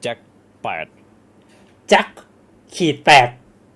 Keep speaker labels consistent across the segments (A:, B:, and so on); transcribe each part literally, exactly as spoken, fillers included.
A: จ็คแปด
B: แจ็คขีดแปด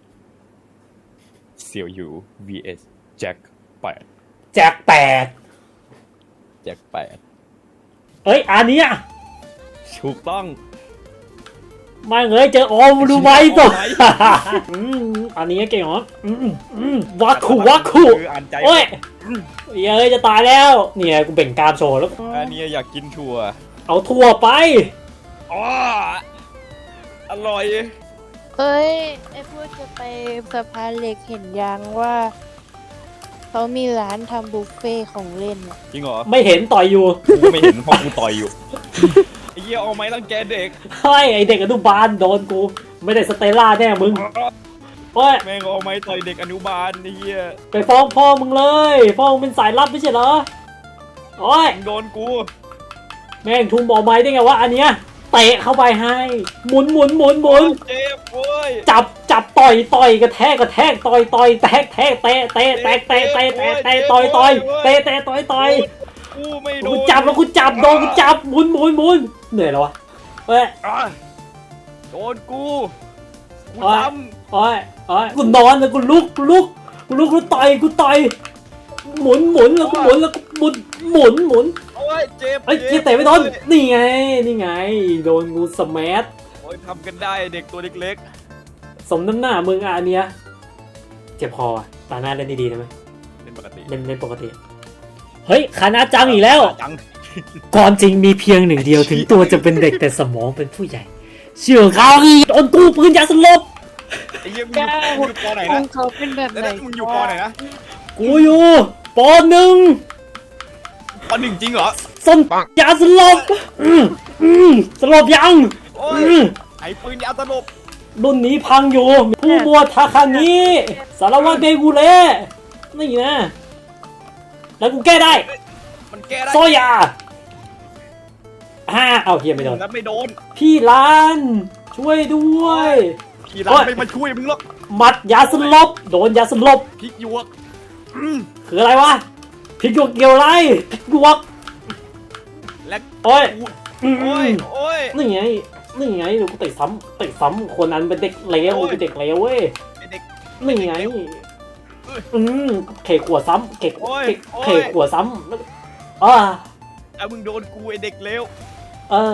A: เซียวยู วี เอส แจ็คแปด
B: แจ็คแปด
A: แจ็คแปด
B: เอ้ยอันนี้อ่ะ
A: ถูกต้อง
B: มาเงยเจอโอมดูไหมตัวอันนี้เก่งเหรอวักขู่วักขู่โอ้ยเย้ยจะตายแล้วเนี่ยกูเบ่งกามโชว์แล้ว
A: อันนี้อยากกินถั่ว
B: เอาถั่วไป
A: อ๋ออร่อย
C: เฮ้ยไอ้พูดจะไปสะพานเหล็กเห็นยังว่าเขามีร้านทำบุฟเฟ่ของเล่น
A: จริงเหรอ
B: ไม่เห็นต่อยอยู่
A: กูไม่เห็นเพราะกูต่อยอยู่ไอ้เหี้ยเอาไม้รังแกเด็ก
B: เฮ้ยไอเด็กอนุบาลโดนกูไม่ได้สเตลล่าแน่มึงโอ้ย
A: แม่งเอาไม้ต่อยเด็กอนุบาลไอ้เหี้ย
B: ไปฟ้องพ่อมึงเลยพ่อมึงเป็นสายลับไม่ใช่เหรอโอ้ย
A: โดนกู
B: แม่งทุ่มบอลไม้ได้ไงวะอันเนี้ยเตะเข้าไปให้หมุนหมุนหมุนหมุน
A: เจ็บโว้ย
B: จับจับต่อยต่อยกระแทกกระแทกต่อยต่อยแตกแทกเตะเตะแตกเตะเตะเตะเตะต่อยต่อยเตะเตะต่อยต่อย
A: กูไม่โดน
B: กูจับแล้วกูจับโดนกูจับหมุนหมุนหมุนเหนื่อยแล้ววะเฮ้ย
A: โดนกูกู
B: ทำโอ้ยโอ้ยกูนอนแล้วกูลุกกูลุกกูลุกกูต่อยกูต่อยหมุนหมุนแล้วกูหมุนแล้วกูหมุนหมุนหมุน
A: โอ้ยเจ็บ
B: เฮ้ยเตะไม่โดนนี่ไงนี่ไงโดนกูสแมัท
A: โอ้ยทำกันได้เด็กตัวเล็ก
B: ๆสมน้ำหน้ามึงอ่ะอันเนี้ยเจ็บคอตาหน้าเล่นดีๆนะไหม
A: เล่นปกติ
B: เล่นเล่นปกติเฮ้ยคานาจังอีกแล้วก่อนจริงมีเพียงหนึ่งเดียวถึงตัวจะเป็นเด็กแต่สมองเป็นผู้ใหญ่เชื่อเขาคือโดนตู้ปืนยาสลบ
A: ไอ้เหี้ยมึงอยู่ปอไหนนะ
C: เขาเป็นแบบไหน
A: มึงอยู่ปอไหนนะ
B: กูอยู่ปอหนึ่ง
A: ปอหนึ่งจริงเหรอ
B: ส้นยาสลบสลบยัง
A: ไอ้ปืนยาสลบ
B: รุ่นนี้พังอยู่ผู้บวชทาคางิสารวัตรเบกูเล่นี่นะแล้วกูแก้ได้
A: มันแก้ได้
B: โซยาฮ่าเอาเฮียไม่โดน
A: แล้วไม่โดน
B: พี่ลานช่วยด้วย
A: พี่ลานไม่มาช่วยมึงหรอก
B: หมัดยาสลบโดนยาสลบ
A: พริกหยวก
B: คืออะไรวะพริกหยวกเกี่ยวอะไรพริกหยวก
A: และ
B: โอ้ย
A: โอ้ยโอ้ย
B: นี่ไงนี่ไงเดี๋ยวกูเตะซ้ำเตะซ้ำคนนั้นเป็นเด็กเลวเป็นเด็กเลวเว้ยนี่ไงอืมเขยขวดซ้ำเขยเขยขวดซ้ำอ่า
A: เอามึงโดนกูไอเด็กเลว
B: เออ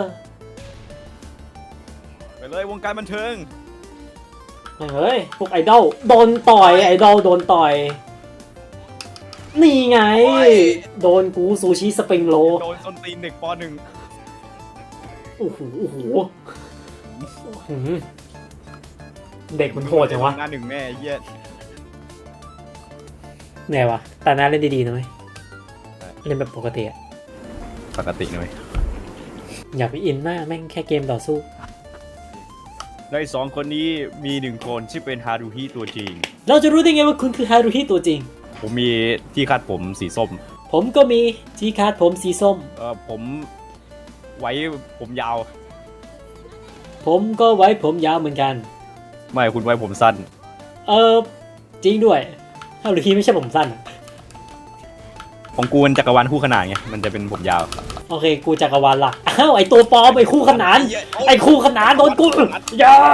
A: ไปเลยวงการบันเทิง
B: เฮ้ยพวกไอดอลโดนต่อยไอดอลโดนต่อยนี่ไงโดนกูซูชิสปริงโร
A: โดนส้นตีนเด็กป.หนึ่ง
B: โอ้โหโอ้โหเด็กมันโหดจังวะ
A: งานหนึ่งแม่เยี่ย
B: เนี่ยวะแต่น่าเล่นดีๆนะเว้ยเล่นแบบปกติอะ
A: ปกตินะเว้ย
B: อย่าไปอินมากแม่งแค่เกมต่อสู้
A: ในสองคนนี้มีหนึ่งคนที่เป็นฮารุฮิตัวจริง
B: เราจะรู้ได้ไงว่าคุณคือฮารุฮิตัวจริง
A: ผมมีที่คาดผมสีส้ม
B: ผมก็มีที่คาดผมสีส้ม
A: เออผมไว้ผมยาว
B: ผมก็ไว้ผมยาวเหมือนกัน
A: ไม่คุณไว้ผมสั้น
B: เออจริงด้วยฮารุฮิไม่ใช่ผมสั้น
A: ของกูมันจักรวาลคู่ขนานไงมันจะเป็นผมยาว
B: โอเคกูจักรวาลล่ะอ้าวไอตัวปลอมไอคู่ขนานไอคู่ขนานโดนกูอย่า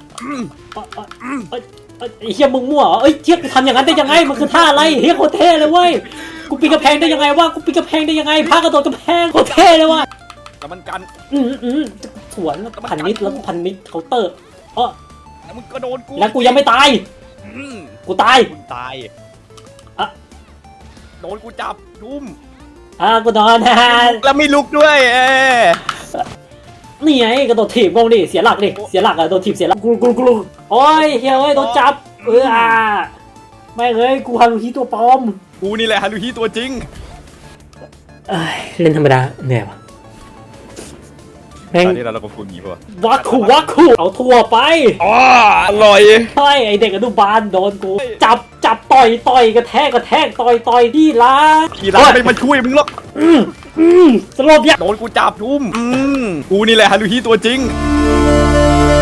B: ไอเฮียมึงมั่วเอ้ยเทียบทำอย่างนั้นได้ยังไงมันคือท่าอะไรเฮียโคตรเท่เลยเว้ยกูปีนกระแพงได้ยังไงวะกูปีนกระแพงได้ยังไงพากระโดดกระแพงโคตรเท่เลยว่ะ
A: แต่มันกัน
B: อืมอืมสวนพันนิดแล้วพันนิดเคาน์เตอร์อ๋อ
A: แล้วมึงก็โดนกู
B: แล้วกูยังไม่ตายกูตาย
A: กูตายอะโดนกูจับดุ้ม
B: อ่ะกูนอนนะ
A: แล้วไม่ลุกด้วยเอ
B: นี่ไงกระโดดถีบงงดิเสียหลักดิเสียหลักอะโดนถีบเสียหลักกูกูกูโอ้ยเฮ้ยเฮ้ยโดนจับเอออ่ะไม่เอ้ยกูฮารุฮิตัวปลอม
A: กูนี่แหละฮารุฮิตัวจริง
B: เอ้ยเล่นธรรมดาเหนื่อยว่ะ
A: แม่งตอนนี้เราเราก็พูดงี้ป่ะ
B: วักขู่วักขู่เอาทั่วไป
A: อ๋ออร่อย
B: ใช่ไอเด็กอนุบาลโดนกูจับจับต่อยต่อยกระแทกกระแทกต่อยต่อยที่ร้าน
A: ที่ร้านไม่มาช่วยมึงหรอก
B: อืมอืมสลบยัก
A: โดนกูจับทุ่มอืมกูนี่แหละฮารุฮิตัวจริง